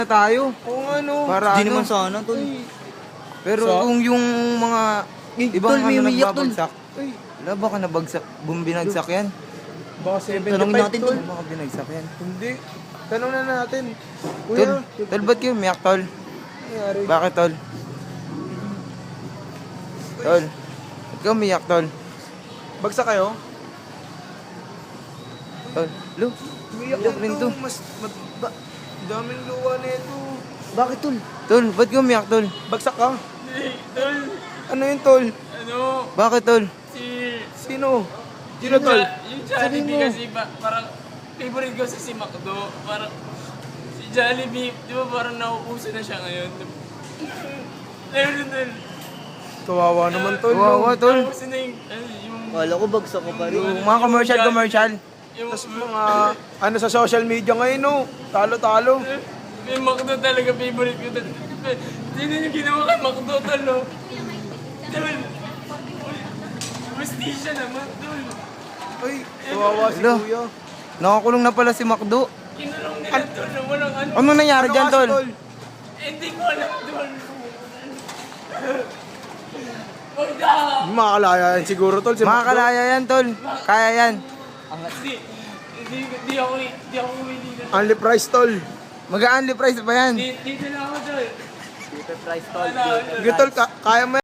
tayo. Oo nga no. Para Hindi ano. naman sana, tol. Pero So? kung yung mga ibang tol, may ano umiyak, tol. nagbabagsak. Ay, Wala, baka nabagsak, binagsak yan. baka 75 Tanongin natin, tol. tol. Baka binagsak yan. Hindi. Tanong na natin. Tol, Kuya, tol, ba't kayo umiyak, tol? nangyari? Bakit, tol? Tol, ba't kayo umiyak, tol? Bagsak kayo? Tol, lo, Umiyak umiyak rin to. Daming luwa na ito. Bakit, tol? Tol, ba't kayo umiyak, tol? Bagsak ka? Tol, Ano yun tol? ano, Bakit, tol? si... Sino? Sino tol? Yung Jollibee kasi parang favorite ko si Macdo. Parang si Jollibee, di ba parang nauuso na siya ngayon? Ayun, tol. Kawawa naman tol. Kawawa, tol. Nauuso na yung Kala ko bagsak ko pa rin. Yung mga commercial. yung, Tapos mga ano sa social media ngayon no. Talo-talo. yung Macdo talaga favorite ko. Sino yung ginawa kay Macdo, tol, no? Tol, Prestisya naman, tol. Ay, kawawa si Hello. kuya. Nakakulong na pala si Macdo. Kinulong nila, tol, na walang ano. Anong nangyari Ano dyan, kasi, tol? Hindi ko alam, tol. Magda! Makakalaya yan siguro tol. Si Macdo. Makakalaya yan, tol. Kaya yan. Hindi ako humili na. Only price tol. Mag-a-only price pa yan. Dito na ako, tol. Super price, tol. Wala, Sige tol, kaya mo